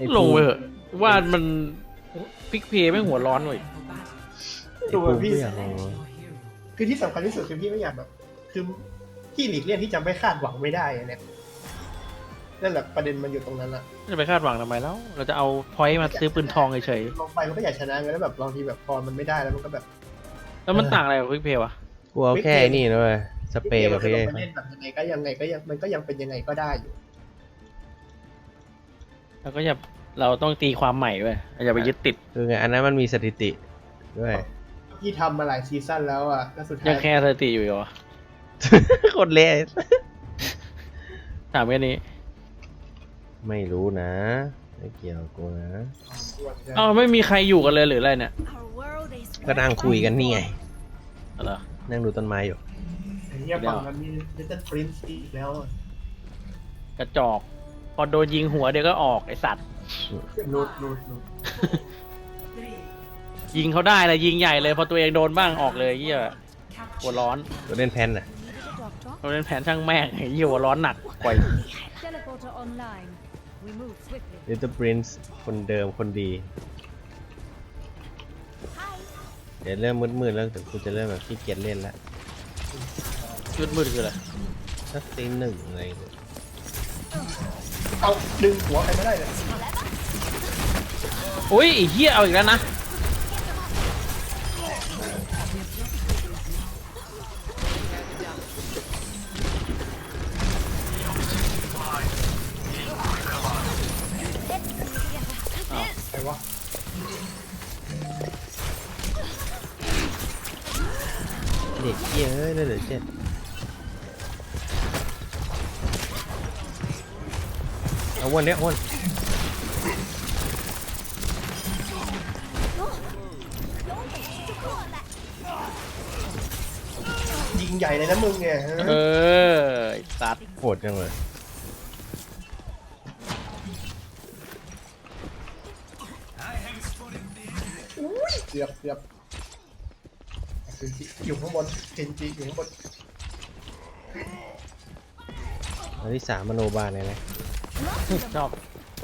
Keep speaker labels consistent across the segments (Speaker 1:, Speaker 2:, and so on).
Speaker 1: ลงไปเถอะว่ามันพิกเพย์ไม่หัวร้อนเลย
Speaker 2: ตัว
Speaker 3: พี่
Speaker 2: พี่
Speaker 3: อยากลอง
Speaker 2: คือที่สำคัญที่สุดคือพี่ไม่อยากแบบ คือพี่หลีกเลี่ยงที่จะไม่คาดหวังไม่ได้เนี่ยนั่นแหละประเด็นมันอยู่ตรงนั้นละ
Speaker 1: จะไปคาดหวังทำไมแล้วเราจะเอาพอยต์มาซื้อปืนทองเฉย
Speaker 2: ลงไปมันก็อยากชนะไงแล้วแบบบางทีแบบพอมันไม่ได้แล้วมันก็แบบ
Speaker 1: ๆแล้วมันต่างอะไรกับพิกเพย์วะ
Speaker 3: กูเอาแค่นี่นะเว้ยสเปรย์กับ
Speaker 2: พี่
Speaker 3: พี่
Speaker 2: ลงไปเล่นแบบยังไงก็ยังมันก็ยังเป็นยังไงก็ได้อยู่
Speaker 1: แล้วก็อย่าเราต้องตีความใหม่ด้วยอย่าไปยึดติด
Speaker 3: คือไงอันนั้นมันมีสถิติด้วย
Speaker 2: พี่ทำมาหลายซีซั่นแล้วอ่ะแล้วสุดท้า
Speaker 1: ยัง
Speaker 2: ย
Speaker 1: แค่สถิติอยู่เหรอ
Speaker 3: คนเละ
Speaker 1: ถามแค่นี้
Speaker 3: ไม่รู้นะไม่เกี่ยวกับกูนะ
Speaker 1: เอ้าไม่มีใครอยู่กันเลยหรืออะไรเนี่ย
Speaker 3: ก็นั่งคุยกันนี่ไง
Speaker 1: อะไรอ
Speaker 3: นั่งดูต้นไม้อยู่
Speaker 2: ไอ้เหี้ยฝั่งนั้นมีลิตเติ้ลปรินซ์อีกแล้วอะ
Speaker 1: กระจอกพอโดนยิงหัวเดี๋ยวก็ออกไอสัตว์
Speaker 2: รูด
Speaker 1: ยิงเขาได้เลยยิงใหญ่เลยพอตัวเองโดนบ้างออกเลยเหี้ยหัวร้อน
Speaker 3: ตัวเล่นแพนน่ะ
Speaker 1: เราเล่นแผนช่างแม่งไอ้เหี้ยหัวร้อนหนักกว่า
Speaker 4: Teleporter online. We move swiftly.
Speaker 3: Little Prince คนเดิมคนดี เดี๋ยวเริ่มมืดๆแล้วเดี๋ยวกูจะเริ่มแบบขี้เกียจเล่นแล้ว
Speaker 1: ยืดมืดคืออะไร
Speaker 3: สักตีหนึ่งอะไรอย่างเงี้ย
Speaker 2: เอาดึงหัวใครไม่ได้เลย
Speaker 1: อุ้ยไอ้เหี้ยเอาอีกแล้วนะ
Speaker 2: ใครวะ
Speaker 3: เด็กเหี้ยเอ้ยเหลือ7เอาวนเนี้ยวน
Speaker 2: ยิงใหญ่เลยนะมึงเนี่ย
Speaker 1: เออไอ้สัตว์
Speaker 3: โหดจังเลย
Speaker 2: เกือบเคนจิอยู่ข้างบนเคนจิอยู่ข้างบน
Speaker 3: อันที่3มโนบาลเลยนะ
Speaker 1: ชอบ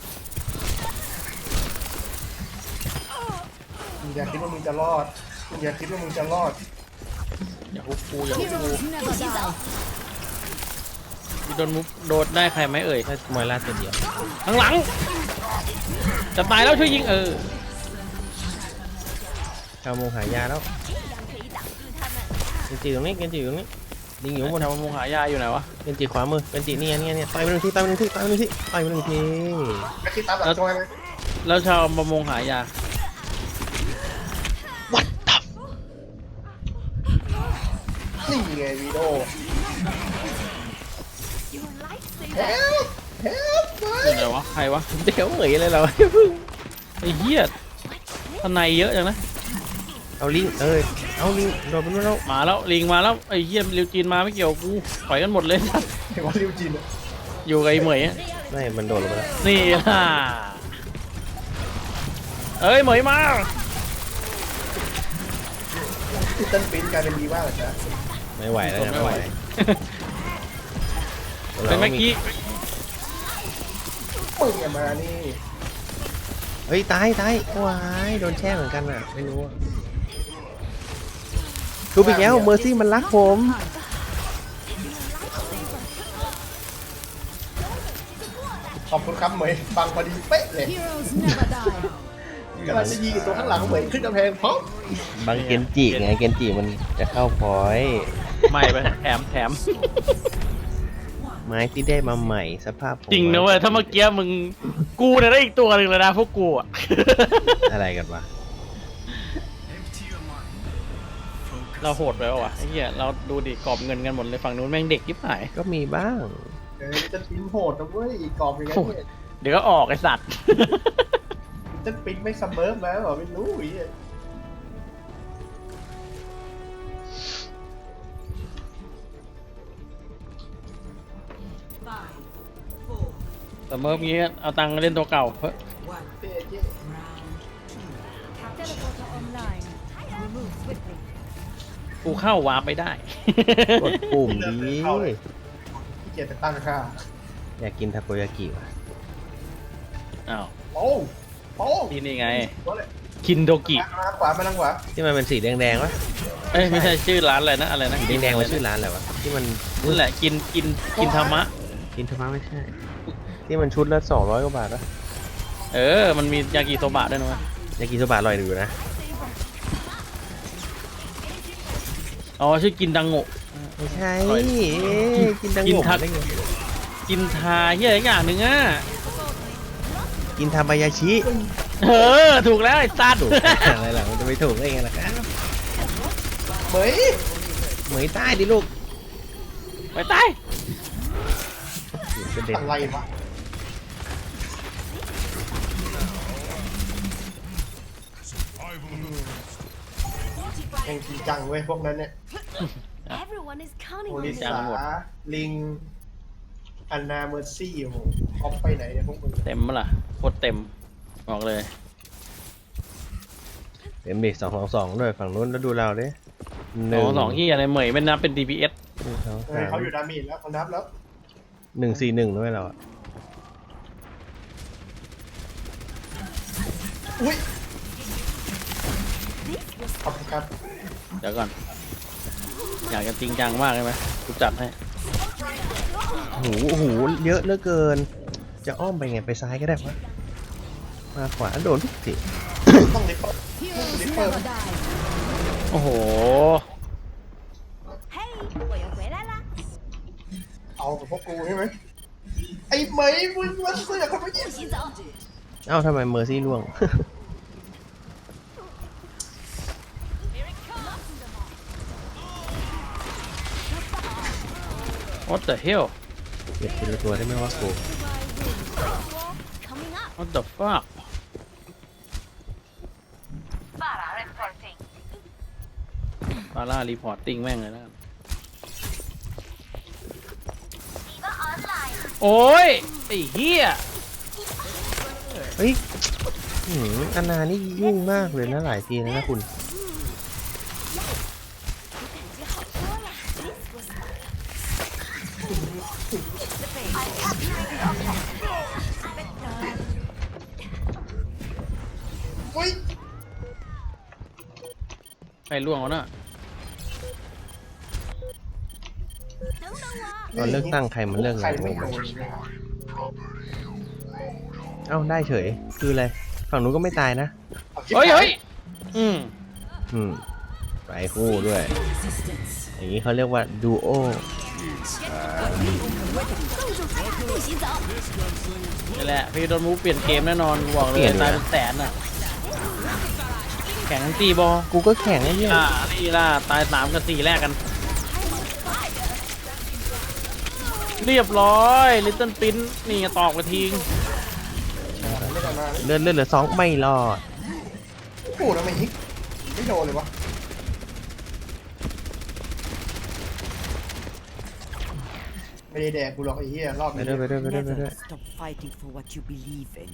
Speaker 2: มึงอย่าคิดว่ามึงจะรอดมึงอย่าคิดว่ามึงจะรอด
Speaker 1: อย่าฮุบกูอย่าฮุบกู
Speaker 4: Heroes never die.
Speaker 1: โดนมุกโดดได้ใครไหมเอ่ย
Speaker 3: ถ้ามวยล่าตัวเดียว
Speaker 1: ข้างหลัง จะตายแล้วช่วยยิง
Speaker 3: เข้ามงหายาแล้วเกนจิตรงนี้เกนจิอยู่ตรงนี้ยิงอยู่ข้างบน
Speaker 1: ทำมุงหายาอยู่ไหนวะ
Speaker 3: เกนจิขวามือเกนจิเนี่ยต่อยไปหนึ่งทีต่อยไปหนึ่งทีต่อยไปหนึ่งทีต่อยไปหนึ่งที
Speaker 2: ก็คิดตามหลังจอยไหม
Speaker 1: แล้วชาวประมงหายา
Speaker 3: วัดตับ
Speaker 2: นี่ไงวีโดเฮลเฮลไป
Speaker 1: อยู่ไหนวะใครวะ
Speaker 3: เดี๋ยวเหมยเลยเราเพิ่ง
Speaker 1: ไอ้เหี้ยทนายเยอะจังนะ
Speaker 3: เอาลิงเอาลิงโดนไปนู่นแล้ว
Speaker 1: มาแล้วลิงมาแล้วไอ้เหี้ยริวจีนมาไม่เกี่ยวกูปล่อยกันหมดเลย
Speaker 2: เห็นว่าริวจินอะ
Speaker 1: อยู่กับไอ้เหมยอะ
Speaker 3: ไม่มันโดนลงไปแล้ว
Speaker 1: นี่ล่ะเอ้ยเหมยมา
Speaker 2: ลิตเติ้ลปรินซ์กลายเป็นดีมากเลยนะ
Speaker 3: ไม่ไหวแล้วนะไม่ไหว
Speaker 1: เป็นเมื่อกี้
Speaker 2: มึงอย่ามานี่
Speaker 3: เฮ้ยตายว้ายโดนแช่เหมือนกันอ่ะไม่รู้ทุบอีกแล้วเมอร์ซี่มันรักผม
Speaker 2: ขอบคุณครับเหมยฟังพอดีเป๊ะเลย
Speaker 4: Heroes never die.
Speaker 2: กำลังจะยิงตัวข้างหลังเหมยขึ้นกำแพงพร้อม
Speaker 3: บางเกนจิไงเกนจิมันจะเข้าพอยต์
Speaker 1: ไม่ไปแถม
Speaker 3: ไม้ที่ได้มาใหม่สภาพผม
Speaker 1: จริงนะเว้ยถ้าเมื่อกี้มึงกูเนี่ยได้อีกตัวหนึ่งเลยนะพวกกูอะ
Speaker 3: อะไรกันวะ
Speaker 1: เราโหดไปปะวะไอ้เหี้ยเราดูดิกรอบเงินกันหมดเลยฝั่งนู้นแม่งเด็กยิบหาย
Speaker 3: ก็มีบ้าง
Speaker 2: ลิตเติ้ลปรินซ์โหดนะเว้ยอีกกรอบอย่างเงี้ยเนี่ย
Speaker 1: เดี๋ยวก็ออกไอ้สัตว์
Speaker 2: ลิตเติ้ลปรินซ์ไม่ซัมเมอร์มาเหรอไม่รู้ไอ้เหี้ย
Speaker 1: แต่เมื่อกี้เอาตังค์เล่นตัวเก่าเฮ้ย
Speaker 2: เจ๊เจ๊
Speaker 4: Teleporter online. We move swiftly.
Speaker 1: กูเข้าวาร์ปไม่ได้
Speaker 3: กดปุ่มดี
Speaker 2: ที่เกียจไปตั้งค่า
Speaker 3: อยากกินทาโกยากิว่ะ
Speaker 1: อ้าว
Speaker 2: อโอ้โอ้
Speaker 1: นี่ไง
Speaker 2: ตัวเลย
Speaker 1: คินโดกิ
Speaker 2: มาทางขวามาทางขวา
Speaker 3: ที่มันเป็นสีแดงๆวะ
Speaker 1: เอ้ยไม่ใช่ชื่อร้านอะไรนะอะไรนะ
Speaker 3: สีแดงๆมันชื่อร้านอะไรวะที่มัน
Speaker 1: นั่นแหละกินธรรมะ
Speaker 3: กินทำไมไม่ใช่ ที่มันชุดละ200 กว่าบาทวะ
Speaker 1: มันมียากิโซบะด้วยนะเว้ย
Speaker 3: ยากิโซบะอร่อยอยู่นะ
Speaker 1: อ๋อชื่อกินดังโงะ
Speaker 3: ไม่ใช่
Speaker 1: อร่อย
Speaker 3: กินดัง
Speaker 1: กิน
Speaker 3: โง่
Speaker 1: ทัก
Speaker 3: ได้ไง
Speaker 1: กินทาเฮียอะไรอย่างหนึ่งอ่ะ
Speaker 3: กินทามายาชิ
Speaker 1: ถูกแล้วไอ้สัตว์
Speaker 3: ถูกอะไรล่ะมันจะไม่ถูกได้ไงล่ะครับ
Speaker 2: เหมย
Speaker 3: เหมยใต้ดิลูก
Speaker 1: ไปตาย
Speaker 3: กระเด็น
Speaker 2: อะไรวะแข่งจริงจังเว้ยพวกนั้นเนี่ย
Speaker 4: Everyone is counting
Speaker 2: โอ
Speaker 4: on
Speaker 2: ลิ
Speaker 4: me.
Speaker 2: สาลิงอันนาเมอร์ซี่โอ้โหออฟไปไหนเนี่ยพวกมึง
Speaker 1: เต็มมั้ยล่ะโคตรเต็มบอกเลย
Speaker 3: เต็มดิ222ด้วยฝั่งนู้นแล้วดูเราดิ
Speaker 1: สองที่อะไรเหมยไม่นับเป็น DPS
Speaker 2: เฮ้ยเขาอยู่ดาเมจแล้วเขานับแล้ว
Speaker 3: 141ด้วยเราอะ
Speaker 2: อุ้ยขอบคุณครับ
Speaker 1: เดี๋ยวก่อน อยากจะจริงจังมากเลยไหมกูจัดให้
Speaker 3: โอ้โหเยอะเหลือเกิน จะอ้อมไปไงไปซ้ายก็ได้ปะมาขวาโดนทุกที
Speaker 2: ต้องลิปเปอร์
Speaker 4: Heroes never die.
Speaker 1: โอ้โห
Speaker 4: Hey, 我又回来啦！
Speaker 2: เอากับพวกกูใช่ไหมไอ้เหมยมึงมาเสือกทำไมเนี่ย
Speaker 4: 不洗澡。
Speaker 3: เอ้าทำไมเมอร์ซี่ล่วง
Speaker 1: What the hell
Speaker 3: เก็บทีละตัวได้ไหมวะกู
Speaker 4: Coming up.
Speaker 1: What the fuck ฟาร่ารีพอร์ตติ้งแม่งเลยนะโอ้ยไอ้เหี้ย
Speaker 3: เฮ้ยอันนานี่ยุ่งมากเลยนะหลายทีแล้วนะคุณ
Speaker 2: อุ้ย
Speaker 1: ใครล่วงวะน่ะ
Speaker 3: ตอนเลือกตั้งใครมันเลือก
Speaker 2: ใคร
Speaker 3: อะไร
Speaker 2: ไม่
Speaker 3: ง
Speaker 2: โด
Speaker 3: ง
Speaker 2: น
Speaker 3: เอ้าได้เฉย คืออะไร ฝั่งนู้นก็ไม่ตายนะ
Speaker 1: เฮ้ยเฮ้ยอืม
Speaker 3: ไปคู่ด้วย อย่างนี้เขาเรียกว่าดูโอ
Speaker 4: 不洗澡。
Speaker 1: นี่แหละพี่โดนมูฟเปลี่ยนเกมแน่นอนกูบอกเลยตายเป็นแสนน่ะแข่งทั้งตีบอล
Speaker 3: กูก็แข่งไอ้เนี่ย
Speaker 1: นี่ล่ะตาย3 กับ 4แรกกัน เรียบร้อยลิตเติ้ลปิ้นนี่ตอกไปทิ้ง
Speaker 2: ไม่ได้มา
Speaker 3: เลื่อนเหลือ2ไม่รอด
Speaker 2: โอ้โหทำไมฮิกไม่โดนเลยวะไม่ได้แดกกูหรอกไอ้เหี้ยรอบ
Speaker 3: ไป
Speaker 2: นี้
Speaker 3: ด้วยไปด้วยไปด้วยไปด้วย
Speaker 5: Never stop fighting for what you believe in.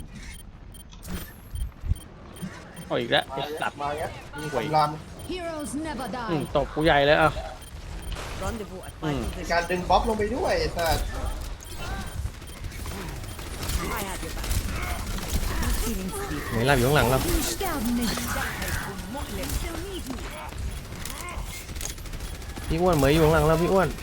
Speaker 1: เอาอีกแล้วไอ้สัตว์
Speaker 2: มาเงี้ยมีคำราม
Speaker 4: Heroes never
Speaker 1: อืม
Speaker 4: die.
Speaker 1: ตบกูใหญ่เลยอ่ะ
Speaker 5: Rendezvous at
Speaker 1: Mm.
Speaker 5: my
Speaker 2: ใน
Speaker 5: position.
Speaker 2: การดึงบ๊อบลงไปด้วยไอ้สัส
Speaker 5: I have your back. Feeling sleepy.
Speaker 3: ไหนหลับอยู่ข้างหลังเรา
Speaker 4: Sterben nicht.
Speaker 3: พี่อ้วนเหมยอยู่ข้างหลังเราพี่อ้วน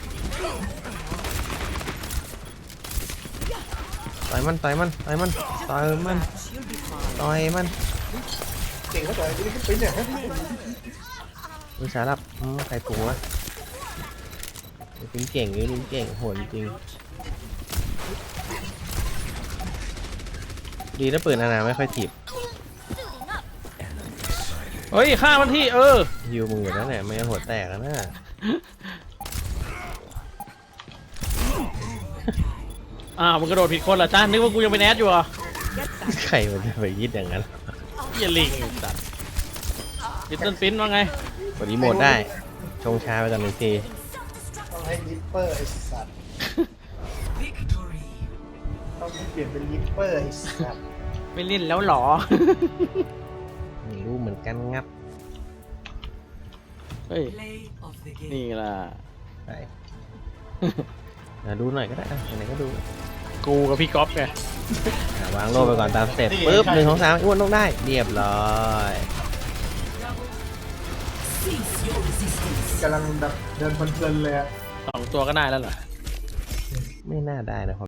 Speaker 3: ต่อยมันต่อยมันต่อยมันต่อยมัน
Speaker 5: You'll be fine.
Speaker 3: ต่อยมัน
Speaker 2: เก่งเขาต่อยกูนี่เป็นเนี่ย
Speaker 3: วิชาลับใครปรุงวะจริงเก่งอยู่จริงเก่งโหดจริงดีนะปืนอาณาไม่ค่อยถีบ
Speaker 1: เฮ้ยฆ่ามันที่
Speaker 3: ฮิวมึงอยู่นั่นแหละไม่งั้นหัวแตกแล้วนะ
Speaker 1: มึงกระโดดผิดคนเหรอจ้านึกว่ากูยังเป็นแอดอยู่เหรอ่ะ
Speaker 3: ใครมันจะไปยิดอย่างนั้น
Speaker 1: เหี้ยลิงไอ้สัตว์ลิตเติ้ลปิ้นว่าไง
Speaker 3: กดรีโมทได้ ชงชาไปกันหนึ่งที
Speaker 2: ต้องให้ลิปเปอร์ไอ้สัสต้องเปลี่ยนเป็นลิปเปอร์ไอ้สัส
Speaker 1: ไม่เล่นแล้วเหรอ
Speaker 3: ไม่รู้เหมือนกันงับ
Speaker 1: เฮ้ย นี่ล่ะ
Speaker 3: ไป ดูหน่อยก็ได้ไหนๆก็ดู
Speaker 1: กูกับพี่ก๊อฟไง
Speaker 3: วางโล่ไปก่อนตามสเต็ปปึ๊บ1 2 3อ้วนต้องได้เรียบร้อย
Speaker 2: กำลังแบบเดินเพลินๆเลยอะ
Speaker 1: 2 ตัวก็ได้แล้วเหรอ
Speaker 3: ไม่น่าได้นะ